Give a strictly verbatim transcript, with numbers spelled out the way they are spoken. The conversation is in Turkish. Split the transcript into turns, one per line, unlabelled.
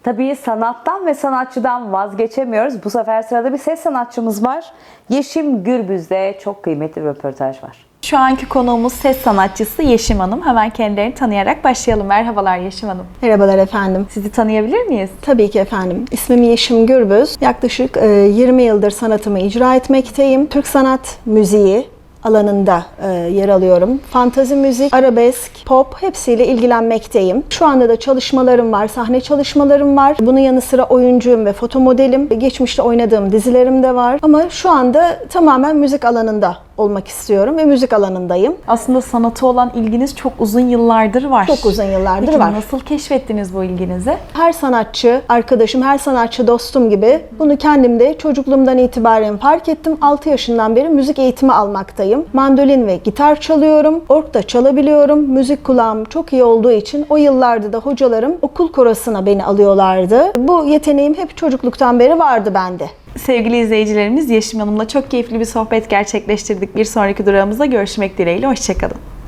Tabii sanattan ve sanatçıdan vazgeçemiyoruz. Bu sefer sırada bir ses sanatçımız var. Yeşim Gürbüz'de çok kıymetli bir röportaj var.
Şu anki konuğumuz ses sanatçısı Yeşim Hanım. Hemen kendilerini tanıyarak başlayalım. Merhabalar Yeşim Hanım.
Merhabalar efendim.
Sizi tanıyabilir miyiz?
Tabii ki efendim. İsmim Yeşim Gürbüz. Yaklaşık yirmi yıldır sanatımı icra etmekteyim. Türk sanat müziği alanında e, yer alıyorum. Fantazi müzik, arabesk, pop hepsiyle ilgilenmekteyim. Şu anda da çalışmalarım var, sahne çalışmalarım var. Bunun yanı sıra oyuncuyum ve foto modelim. Geçmişte oynadığım dizilerim de var. Ama şu anda tamamen müzik alanında olmak istiyorum ve müzik alanındayım.
Aslında sanata olan ilginiz çok uzun yıllardır var.
Çok uzun yıllardır
Peki,
var.
nasıl keşfettiniz bu ilginizi?
Her sanatçı arkadaşım, her sanatçı dostum gibi bunu kendimde çocukluğumdan itibaren fark ettim. altı yaşından beri müzik eğitimi almaktayım. Mandolin ve gitar çalıyorum. Org da çalabiliyorum. Müzik kulağım çok iyi olduğu için o yıllarda da hocalarım okul korosuna beni alıyorlardı. Bu yeteneğim hep çocukluktan beri vardı bende.
Sevgili izleyicilerimiz, Yeşim Hanım'la çok keyifli bir sohbet gerçekleştirdik. Bir sonraki durağımızda görüşmek dileğiyle. Hoşçakalın.